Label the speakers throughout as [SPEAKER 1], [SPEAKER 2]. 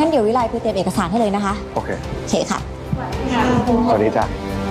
[SPEAKER 1] งั้นเดี๋ยววิไลไปเตรียมเอกสารให้เลยนะคะ
[SPEAKER 2] โอเค
[SPEAKER 1] โอเคค่ะ
[SPEAKER 2] สวัสดีจ้ะ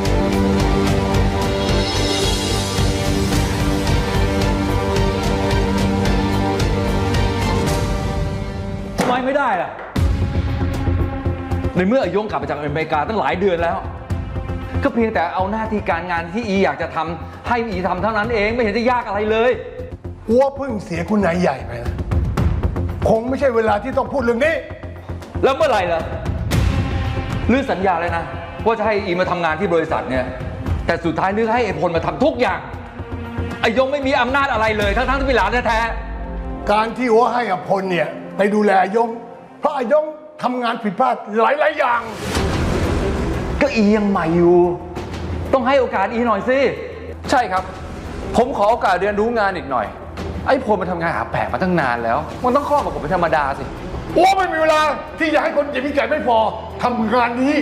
[SPEAKER 3] ทำไมไม่ได้ล่ะในเมื่ออาโยงกลับมาจากอเมริกาตั้งหลายเดือนแล้วก็เพียงแต่เอาหน้าที่การงานที่อีอยากจะทำให้อีทำเท่านั้นเองไม่เห็นจะยากอะไรเลย
[SPEAKER 4] อัวเพิ่งเสียคุณนายใหญ่ไปนะคงไม่ใช่เวลาที่ต้องพูดเรื่องนี้
[SPEAKER 3] แล้วเมื่อไหร่ล่ะลือสัญญาเลยนะว่าจะให้อีมาทำงานที่บริษัทเนี่ยแต่สุดท้ายลือให้ไอ้พลมาทำทุกอย่างอาโยงไม่มีอำนาจอะไรเลยทั้งที่เป็นหลานแท้
[SPEAKER 4] ๆการที่อัวให้อภพลเนี่ยไปดูแลอายงเพราะอายงทำงานผิดพลาดหลายๆอย่าง
[SPEAKER 3] ก็อียังใหม่อยู่ต้องให้โอกาสอีหน่อยสิ
[SPEAKER 5] ใช่ครับผมขอโอกาสเรียนรู้งานอีกหน่อยไอ้พลมันทำงานหาแปะมาตั้งนานแล้วมันต้องข้อกับผมเป็นธรรมดาสิ
[SPEAKER 4] อัวไม่มีเวลาที่จะให้คนเจ็บมีแก่ไม่พอทำงานนี้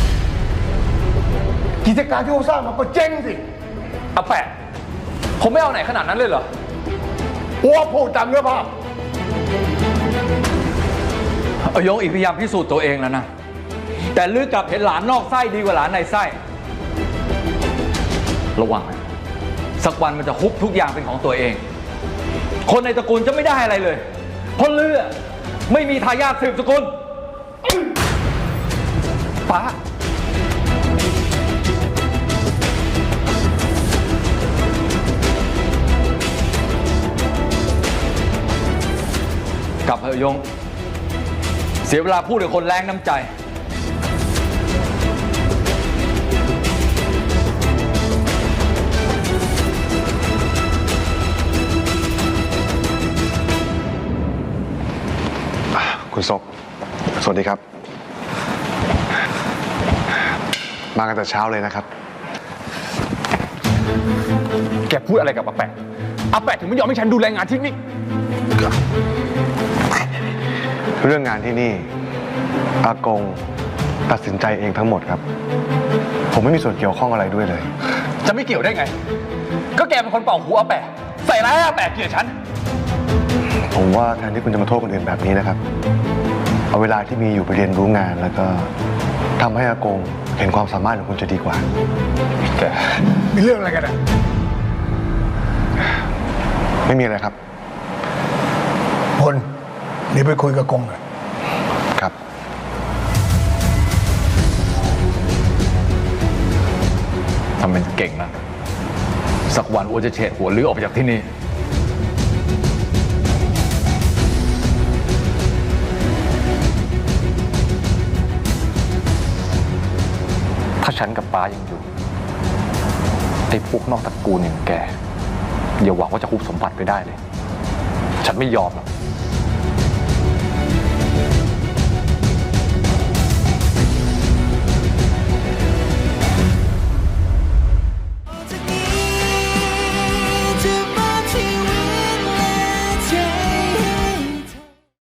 [SPEAKER 4] กิจการที่เขาสร้างมาก็เจ๊งสิ
[SPEAKER 5] อาแปะผมไม่เอาไหนขนาดนั้นเลยเหรอ
[SPEAKER 4] อัวพูดตามเนื้อผ้า
[SPEAKER 3] อาโยงอีกพยายามพิสูจน์ตัวเองแล้วนะแต่ลือกลับเห็นหลานนอกไส้ดีกว่าหลานในไส้ระวังนะสักวันมันจะฮุบทุกอย่างเป็นของตัวเองคนในตระกูลจะไม่ได้อะไรเลยเพราะลือไม่มีทายาทสืบสกุลป้ากลับเถอะยงเสียเวลาพูดกับคนแรงน้ำใจ
[SPEAKER 2] คุณศกสวัสดีครับมากันแต่เช้าเลยนะครับ
[SPEAKER 5] แกพูดอะไรกับอาแปะถึงไม่ยอมให้ฉันดูแลงานที่นี่
[SPEAKER 2] เรื่องงานที่นี่อากงตัดสินใจเองทั้งหมดครับผมไม่มีส่วนเกี่ยวข้องอะไรด้วยเลย
[SPEAKER 5] จะไม่เกี่ยวได้ไงก็แกเป็นคนเป่าหูอาแปะใส่ร้ายอาแปะเกลียดฉัน
[SPEAKER 2] ผมว่าแทนที่คุณจะมาโทษคนอื่นแบบนี้นะครับเอาเวลาที่มีอยู่ไปเรียนรู้งานแล้วก็ทำให้อากงเห็นความสามารถของคุณจะดีกว่า
[SPEAKER 4] แต่มีเรื่องอะไรกันอ่ะ
[SPEAKER 2] ไม่มีอะไรครับ
[SPEAKER 4] พลเดี๋ยวไปคุยกับกงกัน
[SPEAKER 2] ครับ
[SPEAKER 3] ทำเป็นเก่งนะสักวันอัวจะเฉดหัวลือออกไปจากที่นี่
[SPEAKER 5] ถ้าฉันกับป้ายังอยู่ไอ้พวกนอกตระกูลอย่างแกอย่าหวังว่าจะคุบสมบัติไปได้เลยฉันไม่ยอมหรอก